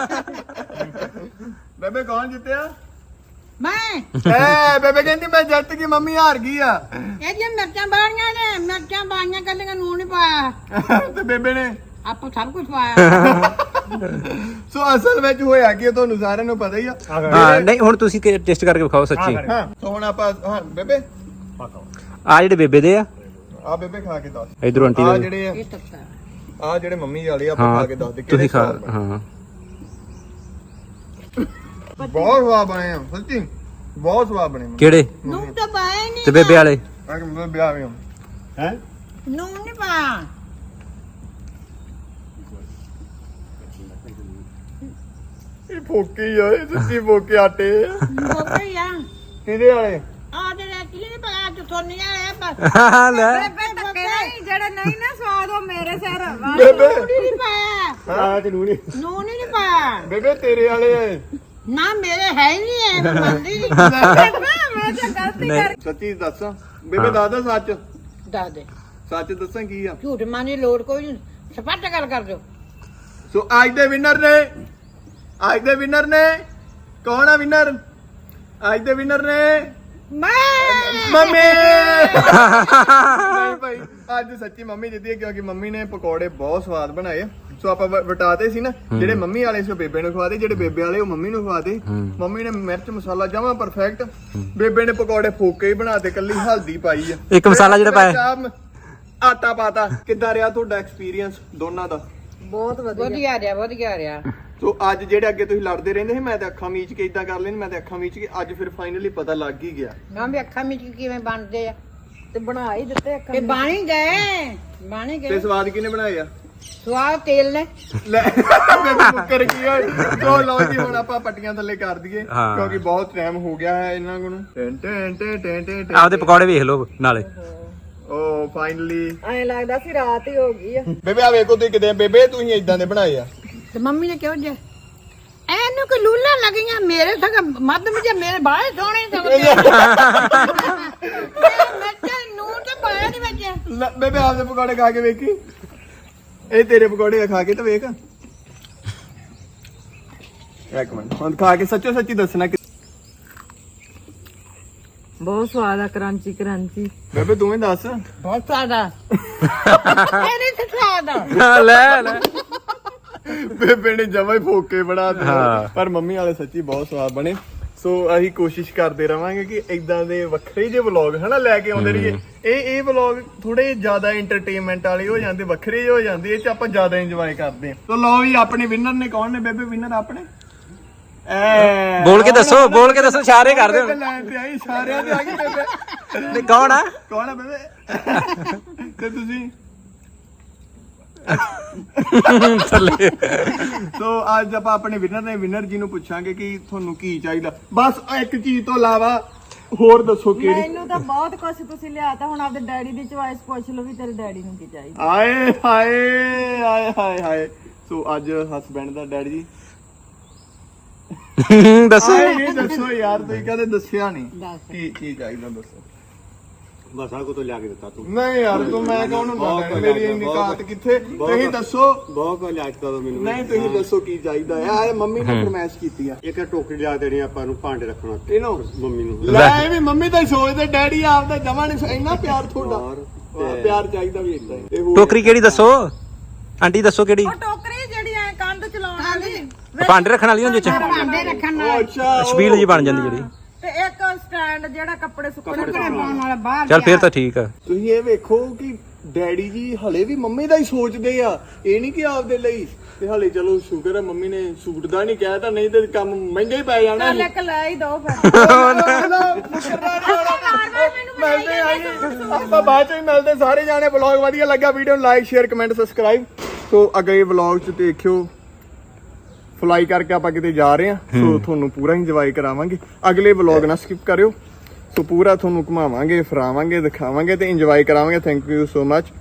Speaker 1: ਬੇਬੇ ਕੌਣ ਜਿੱਤਿਆ
Speaker 2: ਮੈਂ
Speaker 1: ਐ ਬੇਬੇ ਕਹਿੰਦੀ ਮੈਂ ਜਿੱਤ ਗਈ ਮੰਮੀ ਹਾਰ ਗਈ ਆ
Speaker 2: ਇਹਦੀਆਂ ਮਿਰਚਾਂ ਬਾਣੀਆਂ ਨੇ ਮਿਰਚਾਂ ਬਾਣੀਆਂ ਕੱਲੀਆਂ ਨੂਣ ਨਹੀਂ ਪਾਇਆ
Speaker 1: ਤੇ ਬੇਬੇ ਨੇ
Speaker 2: ਆਪਾਂ ਸਭ ਕੁਝ ਪਾਇਆ
Speaker 1: ਸੋ ਅਸਲ ਵਿੱਚ ਹੋਇਆ ਕੀ ਤੁਹਾਨੂੰ ਸਾਰਿਆਂ ਨੂੰ ਪਤਾ ਹੀ ਆ
Speaker 3: ਹਾਂ ਨਹੀਂ ਹੁਣ ਤੁਸੀਂ ਟੈਸਟ ਕਰਕੇ ਵਿਖਾਓ ਸੱਚੀ
Speaker 1: ਹਾਂ ਸੋ ਹੁਣ ਆਪਾਂ ਹਾਂ ਬੇਬੇ
Speaker 3: ਆ ਜਿਹੜੇ ਬੇਬੇ ਦੇ ਆ
Speaker 1: ਆ ਬੇਬੇ ਖਾ ਕੇ ਦੱਸ
Speaker 3: ਇਧਰੋਂ ਆਂਟੀ
Speaker 1: ਆ
Speaker 3: ਦੇ
Speaker 1: ਜਿਹੜੇ
Speaker 2: ਇਹ ਤੱਤਾ
Speaker 1: ਆ ਜਿਹੜੇ ਮੰਮੀ ਵਾਲੇ ਆ, ਆਪਾਂ
Speaker 3: ਹਾਂ
Speaker 1: ਖਾ ਕੇ ਦੱਸ ਦੇ
Speaker 3: ਤੁਸੀਂ ਖਾ
Speaker 1: ਸਵਾਦ ਬਣੇ।
Speaker 3: ਹਾਂ
Speaker 1: ਬਹੁਤ ਸਵਾਦ ਬਣੇ ਆ ਸੱਚੀ ਬਹੁਤ ਸਵਾਦ ਬਣੇ
Speaker 3: ਕਿਹੜੇ
Speaker 2: ਨੂਣ ਤਾਂ ਪਾਇਆ ਹੀ ਨਹੀਂ
Speaker 3: ਤੇ ਬੇਬੇ ਵਾਲੇ
Speaker 1: ਆ ਕਿ ਮੈਂ ਵਿਆਹ ਵੀ
Speaker 5: ਹੈ
Speaker 2: ਨੂਣ ਨਹੀਂ ਪਾਇਆ
Speaker 1: ਇਹ ਫੋਕੀ ਆ ਇਹ ਸੱਚੀ ਫੋਕੇ ਆਟੇ
Speaker 2: ਬੋਕੇ ਆ
Speaker 1: ਕਿਹਦੇ ਵਾਲੇ
Speaker 2: ਆ ਜਿਹੜੇ ਕੀ ਨਹੀਂ ਪਤਾ ਚੁਥੋਨੀ ਵਾਲੇ ਬਸ
Speaker 3: ਲੈ
Speaker 2: ਬੇਬੇ ਧੱਕੇ ਨਹੀਂ
Speaker 4: ਜਿਹੜੇ ਨਹੀਂ ਨਾ ਸਵਾਦ ਉਹ ਮੇਰੇ ਸਿਰ
Speaker 1: ਬੇਬੇ
Speaker 2: ਨਹੀਂ ਪਾਇਆ
Speaker 5: ਆ ਤੇ ਨੂਣੀ
Speaker 2: ਨੂਣ ਹੀ ਨਹੀਂ ਪਾਇਆ
Speaker 1: ਬੇਬੇ ਤੇਰੇ ਵਾਲੇ ਆ
Speaker 2: ਨਾ ਮੇਰੇ ਹੈ ਹੀ ਨਹੀਂ ਐ ਮੈਂ ਮੰਨਦੀ ਨਹੀਂ
Speaker 4: ਮੈਂ ਤਾਂ ਗਲਤੀ
Speaker 3: ਨਹੀਂ
Speaker 1: ਸੱਚੀ ਦੱਸ ਬੇਬੇ ਦੱਸ ਸੱਚ
Speaker 2: ਦੱਸ ਦੇ
Speaker 1: ਸੱਚ ਦੱਸਾਂ ਕੀ ਆ
Speaker 2: ਝੂਠ ਮਾਨੀ ਲੋੜ ਕੋਈ ਨਹੀਂ ਸਪੱਟ ਗੱਲ ਕਰ ਦਿਓ
Speaker 1: ਸੋ ਅੱਜ ਦੇ ਵਿਨਰ ਨੇ ਕੌਣ ਆ ਵਿਨਰ ਅੱਜ ਦੇ ਵਿਨਰ ਨੇ
Speaker 2: ਮੈਂ
Speaker 1: ਮੰਮੀ ਨਹੀਂ ਭਾਈ ਅੱਜ ਸੱਚੀ ਮੰਮੀ ਜਿੱਤੀ ਹੈ ਕਿਉਂਕਿ ਮੰਮੀ ਨੇ ਪਕੌੜੇ ਬਹੁਤ ਸਵਾਦ ਬਣਾਏ ਆ। ਸੋ ਆਪਾਂ ਵਟਾਤੇ ਸੀ ਨਾ ਜਿਹੜੇ ਮੰਮੀ ਵਾਲੇ ਸੀ ਉਹ ਬੇਬੇ ਨੂੰ ਖਵਾਦੇ ਜਿਹੜੇ ਬੇਬੇ ਵਾਲੇ ਉਹ ਮੰਮੀ ਨੂੰ ਖਵਾਦੇ ਮੰਮੀ ਨੇ ਮਿਰਚ ਮਸਾਲਾ ਜਮਾ ਪਰਫੈਕਟ ਬੇਬੇ ਨੇ ਪਕੌੜੇ ਫੋਕੇ ਹੀ ਬਣਾਤੇ ਕੱਲੀ ਹਲਦੀ ਪਾਈ ਆ
Speaker 3: ਇੱਕ ਮਸਾਲਾ ਜਿਹੜਾ ਪਾਇਆ
Speaker 1: ਆਟਾ ਪਾਤਾ ਕਿੱਦਾਂ ਰਿਹਾ ਤੁਹਾਡਾ ਐਕਸਪੀਰੀਅੰਸ ਦੋਨਾਂ ਦਾ
Speaker 4: ਬਹੁਤ ਵਧੀਆ
Speaker 2: ਵਧੀਆ ਰਿਹਾ
Speaker 1: ਸੋ ਅੱਜ ਜਿਹੜੇ ਅੱਗੇ ਤੁਸੀਂ ਲੜਦੇ ਰਹਿੰਦੇ ਸੀ ਮੈਂ ਤੇ ਅੱਖਾਂ ਮੀਚ ਕੇ ਇਦਾਂ ਕਰ ਲੈਣ ਮੈਂ ਤੇ ਅੱਖਾਂ ਮੀਚ ਕੇ ਅੱਜ ਫਿਰ ਫਾਈਨਲੀ ਪਤਾ ਲੱਗ ਹੀ ਗਿਆ
Speaker 2: ਨਾ ਵੀ ਅੱਖਾਂ ਵਿੱਚ ਕਿਵੇਂ ਬਣਦੇ ਆ
Speaker 4: ਤੇ ਬਣਾ ਹੀ ਦਿੱਤੇ ਇੱਕ
Speaker 2: ਇਹ ਬਾਣੀ ਗਏ
Speaker 1: ਤੇ ਸਵਾਦ ਕਿਹਨੇ ਬਣਾਏ ਆ
Speaker 2: ਸਵਾਦ ਤੇਲ ਨੇ
Speaker 1: ਲੈ ਬੇਬੇ ਮੁੱਕਰ ਗਈ ਓਏ ਸੋ ਲਓ ਜੀ ਹੁਣ ਆਪਾਂ ਪੱਟੀਆਂ ਥੱਲੇ ਕਰ ਦਈਏ
Speaker 3: ਹਾਂ।
Speaker 1: ਕਿਉਂਕਿ ਬਹੁਤ ਟਾਈਮ ਹੋ ਗਿਆ ਹੈ ਇਹਨਾਂ ਨੂੰ ਟੈਂ
Speaker 3: ਆਪਦੇ ਪਕੌੜੇ ਵੇਖ ਲਓ ਨਾਲੇ
Speaker 1: ਓ ਫਾਈਨਲੀ
Speaker 4: ਐਂ ਲੱਗਦਾ ਸੀ ਰਾਤ ਹੀ ਹੋ ਗਈ ਆ
Speaker 1: ਬੇਬੇ ਆ ਵੇਖੋ ਤੁਸੀਂ ਕਿਤੇ ਬੇਬੇ ਤੁਸੀਂ ਇਦਾਂ ਦੇ ਬਣਾਏ ਆ
Speaker 2: ਤੇ ਮੰਮੀ ਨੇ ਕਿਉਂ ਜੇ ਐਨੂੰ ਕਿ ਲੂਲਾਂ ਲੱਗੀਆਂ ਮੇਰੇ ਸਗ ਮੱਧ ਵਿੱਚ ਮੇਰੇ ਬਾਹਰ ਸੋਹਣੇ ਸਗਦੇ ਮੈਂ ਨੂਨ ਤੇ ਪਾਇਆ ਨਹੀਂ ਵਿੱਚ
Speaker 1: ਲੈ, ਬੇਬੇ ਆਪਦੇ ਪਕੌੜੇ ਖਾ ਕੇ ਵੇਖੀ ਇਹ ਤੇਰੇ ਪਕੌੜੇ ਖਾ ਕੇ ਤਾਂ ਵੇਖ ਇੱਕ ਮਿੰਟ ਹੁਣ ਖਾ ਕੇ ਸੱਚੋ ਸੱਚੀ ਦੱਸਣਾ ਕਿ
Speaker 4: ਬਹੁਤ ਸਵਾਦ ਆ ਕਰਾਂਚੀ
Speaker 1: ਬੇਬੇ ਤੂੰ ਹੀ ਦੱਸ
Speaker 2: ਬਹੁਤ ਸਾਦਾ ਇਹਨੇ ਤੇ ਸਾਦਾ
Speaker 3: ਲੈ ਲੈ
Speaker 1: ਬੇਬੇ ਨੇ ਜਮਾ ਹੀ ਫੋਕੇ ਬਣਾ
Speaker 3: ਹਾਂ।
Speaker 1: ਦਿੱਤਾ ਪਰ ਮੰਮੀ ਵਾਲੇ ਸੱਚੀ ਬਹੁਤ ਸਵਾਦ ਬਣੇ ਸੋ ਅਸੀਂ ਕੋਸ਼ਿਸ਼ ਕਰਦੇ ਰਵਾਂਗੇ ਕਿ ਇਦਾਂ ਦੇ ਵੱਖਰੇ ਜਿਹੇ ਵਲੌਗ ਹਨਾ ਲੈ ਕੇ ਆਉਂਦੇ ਰਹੀਏ ਇਹ ਵਲੌਗ ਥੋੜੇ ਜ਼ਿਆਦਾ ਐਂਟਰਟੇਨਮੈਂਟ ਵਾਲੇ ਹੋ ਜਾਂਦੇ ਵੱਖਰੇ ਜਿਹੇ ਹੋ ਜਾਂਦੇ ਇਹ ਚ ਆਪਾਂ ਜ਼ਿਆਦਾ ਇੰਜੋਏ ਕਰਦੇ ਹਾਂ ਸੋ ਲਓ ਵੀ ਆਪਣੇ ਵਿਨਰ ਨੇ ਕੌਣ ਨੇ ਬੇਬੇ ਵਿਨਰ ਆਪਣੇ
Speaker 3: ਬੋਲ ਕੇ ਦੱਸੋ ਇਸ਼ਾਰੇ ਕਰਦੇ ਹੁਣ
Speaker 1: ਲਾਈਨ ਤੇ ਆਈ ਸਾਰਿਆਂ ਤੇ ਆ ਗਈ ਬੇਬੇ
Speaker 3: ਨਹੀਂ ਕੌਣ ਆ
Speaker 1: ਕੌਣ ਆ ਬੇਬੇ ਤੇ ਤੁਸੀਂ
Speaker 3: ਥੱਲੇ
Speaker 1: ਸੋ ਅੱਜ ਆਪਾਂ ਆਪਣੇ ਵਿਨਰ ਜੀ ਨੂੰ ਪੁੱਛਾਂਗੇ ਕਿ ਤੁਹਾਨੂੰ ਕੀ ਚਾਹੀਦਾ ਬਸ ਇੱਕ ਚੀਜ਼ ਤੋਂ ਇਲਾਵਾ ਹੋਰ ਦੱਸੋ ਕਿਹੜੀ
Speaker 4: ਮੈਨੂੰ ਤਾਂ ਬਹੁਤ ਕੁਝ ਤੁਸੀਂ ਲਿਆਤਾ ਹੁਣ ਆਪਦੇ ਡੈਡੀ ਦੀ ਚੁਆਇਸ ਪੁੱਛ ਲਓ ਵੀ ਤੇਰੇ ਡੈਡੀ ਨੂੰ ਕੀ ਚਾਹੀਦਾ
Speaker 1: ਆਏ ਹਾਏ ਆਏ ਹਾਏ ਹਾਏ ਸੋ ਅੱਜ ਹਸਬੈਂਡ ਦਾ ਡੈਡੀ ਜੀ
Speaker 3: ਦੱਸੋ
Speaker 1: ਆਏ ਨਹੀਂ ਦੱਸੋ ਯਾਰ ਤੁਸੀਂ ਕਦੇ ਦੱਸਿਆ ਨਹੀਂ ਕੀ ਚਾਹੀਦਾ ਦੱਸੋ
Speaker 5: ਬਸ ਆ ਕੋ ਤੋਂ ਲਿਆ ਕੇ ਦਿੱਤਾ ਤੂੰ
Speaker 1: ਨਹੀਂ ਯਾਰ ਤੂੰ ਮੈਂ ਕੌਣ ਹੁੰਦਾ ਮੇਰੀ ਇੰਨੀ ਕਾਤ ਕਿੱਥੇ ਤੁਸੀਂ ਦੱਸੋ
Speaker 5: ਬਹੁਤ ਕੋ ਲਿਆ ਦਿੱਤਾ ਤੂੰ ਮੈਨੂੰ
Speaker 1: ਨਹੀਂ ਤੁਸੀਂ ਦੱਸੋ ਕੀ ਚਾਹੀਦਾ ਆ ਇਹ ਮੰਮੀ ਨੇ ਫਰਮਾਇਸ਼ ਕੀਤੀ ਆ
Speaker 5: ਇੱਕ ਟੋਕਰੀ ਲਿਆ ਦੇਣੀ ਆਪਾਂ ਨੂੰ ਭਾਂਡੇ ਰੱਖਣ ਵਾਸਤੇ
Speaker 1: ਇਹਨੂੰ
Speaker 5: ਮੰਮੀ ਨੂੰ
Speaker 1: ਲੈ ਇਹ ਵੀ ਮੰਮੀ ਤਾਂ ਹੀ ਸੋਚਦੇ ਡੈਡੀ ਆਪਦਾ ਜਮਾ ਨਹੀਂ ਇੰਨਾ ਪਿਆਰ ਤੁਹਾਡਾ ਪਿਆਰ ਚਾਹੀਦਾ ਵੀ ਇਦਾਂ ਹੀ
Speaker 3: ਟੋਕਰੀ ਕਿਹੜੀ ਦੱਸੋ ਆਂਟੀ ਦੱਸੋ ਕਿਹੜੀ
Speaker 4: ਉਹ ਟੋਕਰੀ ਜਿਹੜੀ ਐ ਕੰਧ ਚਲਾਉਣ ਵਾਲੀ
Speaker 3: ਭਾਂਡੇ ਰੱਖਣ ਵਾਲੀ ਹੁੰਦੀ ਚ
Speaker 2: ਭਾਂਡੇ ਰੱਖਣ ਨਾਲ
Speaker 1: ਅੱਛਾ
Speaker 3: ਛਬੀਲ ਜੀ ਬਣ ਜਾਂਦੀ ਜਿਹੜੀ
Speaker 4: ਤੇ ਇੱਕ ਸਟੈਂਡ ਜਿਹੜਾ ਕੱਪੜੇ ਸੁੱਕਣੇ
Speaker 2: ਕੱਪੜੇ ਪਾਉਣ ਵਾਲਾ ਬਾਹਰ
Speaker 3: ਚੱਲ ਫੇਰ ਤਾਂ ਠੀਕ ਆ
Speaker 1: ਤੁਸੀਂ ਇਹ ਵੇਖੋ ਕਿ ਡੈਡੀ ਜੀ ਹਲੇ ਵੀ ਮੰਮੀ ਦਾ ਹੀ ਸੋਚਦੇ ਆ ਇਹ ਨਹੀਂ ਕਿ ਆਪਦੇ ਲਈ ਤੇ ਹਲੇ ਚਲੋ ਸ਼ੁਕਰ ਹੈ ਮੰਮੀ ਨੇ ਸੂਟ ਦਾ ਨਹੀਂ ਕਹਿ ਤਾਂ ਨਹੀਂ ਤੇ ਕੰਮ ਮਹਿੰਗਾ ਹੀ ਪੈ ਜਾਣਾ
Speaker 4: ਚੱਲ ਇੱਕ ਲੈ ਹੀ ਦੋ ਫਿਰ
Speaker 1: ਮਿਲਦੇ ਆਪਾਂ ਬਾਅਦ ਚ ਵੀ ਮਿਲਦੇ ਸਾਰੇ ਜਾਣੇ ਵਲੌਗ ਵਧੀਆ ਲੱਗਾ ਵੀਡੀਓ ਨੂੰ like share comment subscribe so ਅਗਲੇ ਵਲੌਗ ਚ ਦੇਖਿਓ ਫਲਾਈ ਕਰਕੇ ਆਪਾਂ ਕਿਤੇ ਜਾ ਰਹੇ ਆ ਸੋ ਤੁਹਾਨੂੰ ਪੂਰਾ ਇੰਜੋਏ ਕਰਾਵਾਂਗੇ। ਅਗਲੇ ਵਲੌਗ ਨਾ ਸਕਿਪ ਕਰਿਓ। ਸੋ ਪੂਰਾ ਤੁਹਾਨੂੰ ਘੁਮਾਵਾਂਗੇ, ਫਿਰਾਵਾਂਗੇ, ਦਿਖਾਵਾਂਗੇ ਤੇ ਇੰਜੋਏ ਕਰਾਵਾਂਗੇ। Thank you so much.